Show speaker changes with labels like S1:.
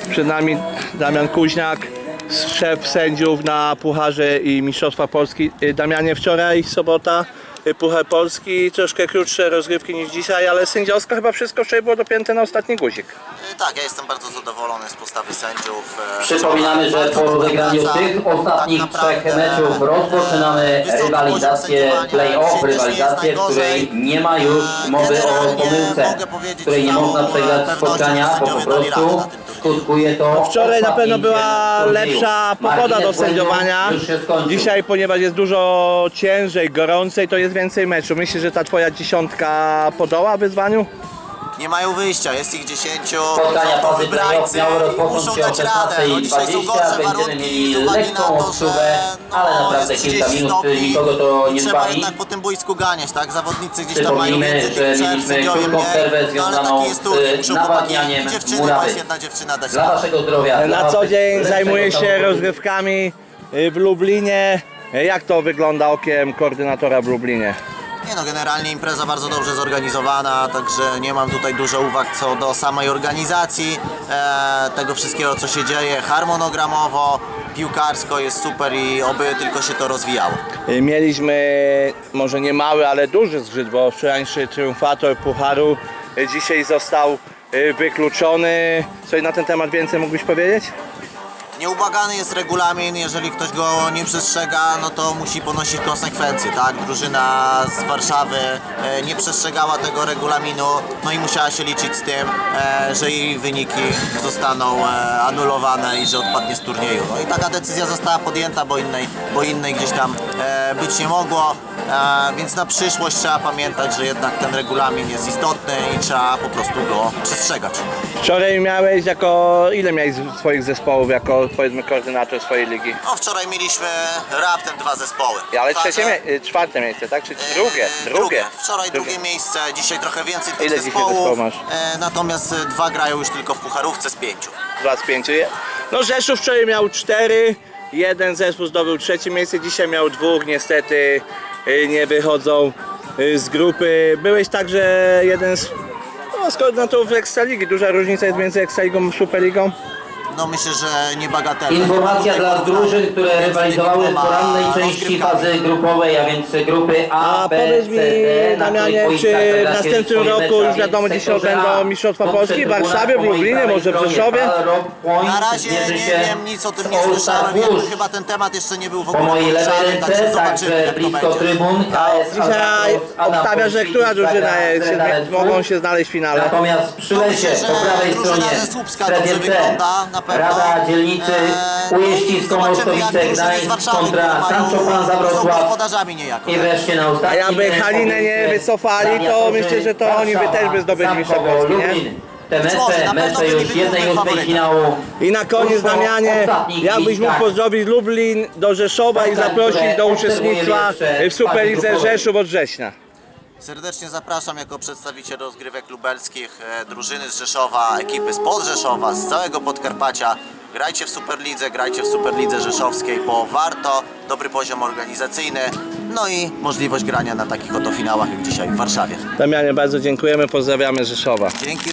S1: Przed nami Damian Kuźniak, szef sędziów na Pucharze i Mistrzostwa Polski. Damianie, wczoraj sobota, Puchar Polski, troszkę krótsze rozgrywki niż dzisiaj, ale sędziowsko chyba wszystko wczoraj było dopięte na ostatni guzik.
S2: Tak, ja jestem bardzo zadowolony z postawy sędziów.
S3: Przypominamy, że po rozegraniu tych ostatnich trzech meczów rozpoczynamy rywalizację play-off, rywalizację, w której nie ma już mowy o pomyłce, w której nie można przegrać spotkania, bo po prostu skutkuje to.
S1: Wczoraj na pewno była lepsza pogoda do sędziowania. Dzisiaj, ponieważ jest dużo ciężej, gorącej, to jest więcej meczów. Myślisz, że ta twoja dziesiątka podoła wyzwaniu?
S2: Nie mają wyjścia, jest ich 10,
S3: Spotkania
S2: są to
S3: fazy
S2: wybrańcy
S3: play-off miały rozpocząć
S2: muszą
S3: się o
S2: dać radę. No, dzisiaj są
S3: 16:20,
S2: gorsze
S3: będziemy
S2: warunki
S3: mieli
S2: z uwagi na
S3: lekką
S2: to,
S3: odczuwę,
S2: że
S3: ale naprawdę
S2: jest
S3: kilka
S2: 30
S3: minut
S2: stopni
S3: nikogo to nie
S2: i trzeba
S3: zbawi.
S2: jednak po tym boisku ganiać, tak? Zawodnicy gdzieś tam mają
S3: Przypomnijmy,
S2: więcej
S3: że
S2: tych przerw,
S3: mieliśmy
S2: sędziowie
S3: krótką
S2: mniej,
S3: przerwę
S2: no ale
S3: związaną
S2: taki jest turniej,
S3: z
S2: muszą chłopaki
S3: nawadnianiem
S2: i dziewczyny, bo
S3: murawy.
S2: jest jedna dziewczyna dać
S3: Dla
S2: radę.
S3: waszego zdrowia.
S1: Na
S3: dla
S1: co dzień
S3: lepszego
S1: zajmuje się
S3: samochodu.
S1: rozgrywkami w Lublinie. Jak to wygląda okiem koordynatora w Lublinie?
S2: Nie no, generalnie impreza bardzo dobrze zorganizowana, także nie mam tutaj dużo uwag co do samej organizacji, tego wszystkiego co się dzieje harmonogramowo, piłkarsko jest super i oby tylko się to rozwijało.
S1: Mieliśmy może nie mały, ale duży zgrzyt, bo wczorajszy triumfator Pucharu dzisiaj został wykluczony. Coś na ten temat więcej mógłbyś powiedzieć?
S2: Nieubłagany jest regulamin, jeżeli ktoś go nie przestrzega, no to musi ponosić konsekwencje, tak? Drużyna z Warszawy nie przestrzegała tego regulaminu, no i musiała się liczyć z tym, że jej wyniki zostaną anulowane i że odpadnie z turnieju. No i taka decyzja została podjęta, bo innej gdzieś tam być nie mogło, więc na przyszłość trzeba pamiętać, że jednak ten regulamin jest istotny i trzeba po prostu go przestrzegać.
S1: Wczoraj miałeś ile miałeś swoich zespołów jako, powiedzmy, koordynator swojej ligi?
S2: No wczoraj mieliśmy raptem 2 zespoły.
S1: Ale
S2: Także-
S1: czwarte miejsce, tak? Czy drugie?
S2: Drugie. Wczoraj drugie miejsce, dzisiaj trochę więcej tych
S1: Ile dzisiaj
S2: zespołów.
S1: zespołów masz?
S2: Natomiast 2 grają już tylko w pucharówce z 5.
S1: 2 z 5. No Rzeszów wczoraj miał 4, jeden zespół zdobył trzecie miejsce, dzisiaj miał 2, niestety nie wychodzą z grupy. Byłeś także jeden z koordynatorów Ekstraligi. Duża różnica jest między Ekstraligą a Superligą?
S2: No myślę, że niebagatelne.
S3: Informacja dla drużyn, które rywalizowały w porannej części fazy grupowej, a więc grupy A,
S1: A
S3: B,
S1: powiedz
S3: C,
S1: mi,
S3: D, na
S1: Damianie,
S3: których
S1: czy
S3: boiskach
S1: w
S3: zagracie
S1: następnym
S3: swoje
S1: roku
S3: mecze,
S1: już wiadomo,
S3: a więc
S1: gdzie się
S3: sektorze
S1: odbędą
S3: A,
S1: Mistrzostwa
S3: to
S1: Polski? W
S3: trybuna
S1: Warszawie,
S3: po
S1: w
S3: mojej
S1: Lublinie,
S3: prawej
S1: może w
S3: stronie
S1: Rzeszowie?
S3: Rock Point
S2: Na razie
S3: zmierzy
S2: nie
S3: się
S2: wiem, nic o tym
S3: z
S2: nie
S3: All
S2: słyszałem,
S3: Star
S2: jeszcze
S3: Włóż.
S2: chyba ten temat jeszcze nie był w
S3: Po
S2: ogóle
S3: mojej lewej
S2: poruszany,
S3: ręce,
S2: także zobaczymy
S3: także
S2: jak to
S3: blisko
S2: będzie.
S3: trybun KS
S1: Dzisiaj
S3: Albatros, Anna
S1: obstawia, że
S3: Polski,
S1: która drużyna
S3: Zagrać
S1: mogą się znaleźć w finale?
S3: Natomiast przy
S2: No
S3: lesie
S2: myślę, że
S3: po prawej
S2: drużyna
S3: stronie
S2: ze Słupska
S3: strefie
S2: dobrze
S3: C,
S2: wygląda, na pewno.
S3: Rada Dzielnicy Ujeścisko,
S2: Zobaczymy, jak
S3: Mostowice,
S2: drużyny z
S3: Gdańsk
S2: Warszawy,
S3: kontra
S2: które mają-
S3: Sancho Pan za
S2: są
S3: Wrocław.
S2: gospodarzami niejako.
S3: I wreszcie na
S1: A
S3: ostatnim
S1: jakby Halinę nie wycofali, to myślę, że to oni by też by zdobyli Mistrzostwa Polski, nie?
S3: Te
S2: Być może, na pewno
S3: mecze już
S2: byliby
S3: 1/8
S2: faworytem.
S3: finału.
S1: I na koniec,
S3: Tuż po
S1: Damianie,
S3: ostatnich
S1: jakbyś mógł
S3: listach.
S1: pozdrowić Lublin do Rzeszowa i
S3: Spotkań,
S1: zaprosić
S3: które
S1: do
S3: obserwujemy
S1: uczestnictwa
S3: jeszcze
S1: w Superlidze
S3: grupowej.
S1: Rzeszów od września.
S2: Serdecznie zapraszam jako przedstawiciel rozgrywek lubelskich, drużyny z Rzeszowa, ekipy spod Rzeszowa, z całego Podkarpacia. Grajcie w Superlidze, grajcie w Superlidze Rzeszowskiej, bo warto, dobry poziom organizacyjny, no i możliwość grania na takich oto finałach jak dzisiaj w Warszawie.
S1: Damianie, bardzo dziękujemy, pozdrawiamy Rzeszowa.
S2: Dzięki.